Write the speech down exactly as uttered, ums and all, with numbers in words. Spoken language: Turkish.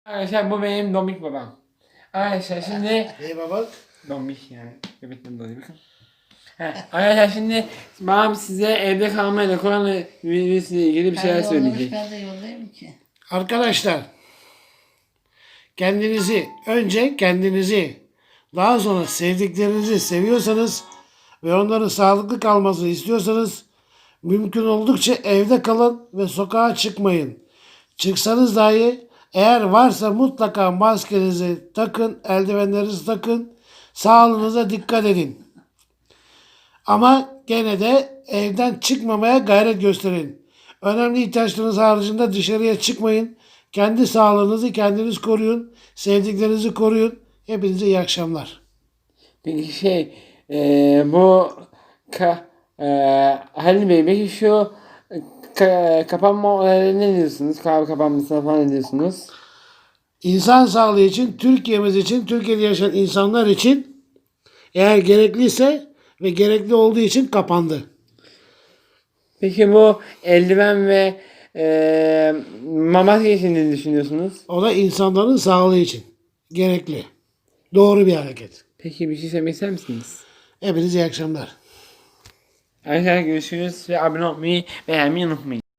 Arkadaşlar bu benim Domik babam. Arkadaşlar şimdi İyi baba. Domik yani. Göbekten dolayı bakın. He, arkadaşlar şimdi babam size evde kalmayla korona virüsüyle ilgili bir şeyler Ben yollamış, söyleyecek. ben de yollayayım ki. Arkadaşlar, kendinizi, önce kendinizi, daha sonra sevdiklerinizi seviyorsanız ve onların sağlıklı kalmasını istiyorsanız mümkün oldukça evde kalın ve sokağa çıkmayın. Çıksanız dahi eğer varsa mutlaka maskenizi takın, eldivenlerinizi takın, sağlığınıza dikkat edin. Ama gene de evden çıkmamaya gayret gösterin. Önemli ihtiyaçlarınız haricinde dışarıya çıkmayın. Kendi sağlığınızı kendiniz koruyun. Sevdiklerinizi koruyun. Hepinize iyi akşamlar. Peki şey eee, bu ka, eee Halil Bey peki şu ka, kapanma olaylarına ne diyorsunuz? Kahve kapanmasına falan ne diyorsunuz? İnsan sağlığı için, Türkiye'miz için, Türkiye'de yaşayan insanlar için eğer gerekliyse ve gerekli olduğu için kapandı. Peki bu eldiven ve eee maske için ne düşünüyorsunuz? O da insanların sağlığı için gerekli. Doğru bir hareket. Peki bir şey söylemek ister misiniz? Hepinize iyi akşamlar. Arkadaşlar görüşürüz ve abone olmayı beğenmeyi unutmayın.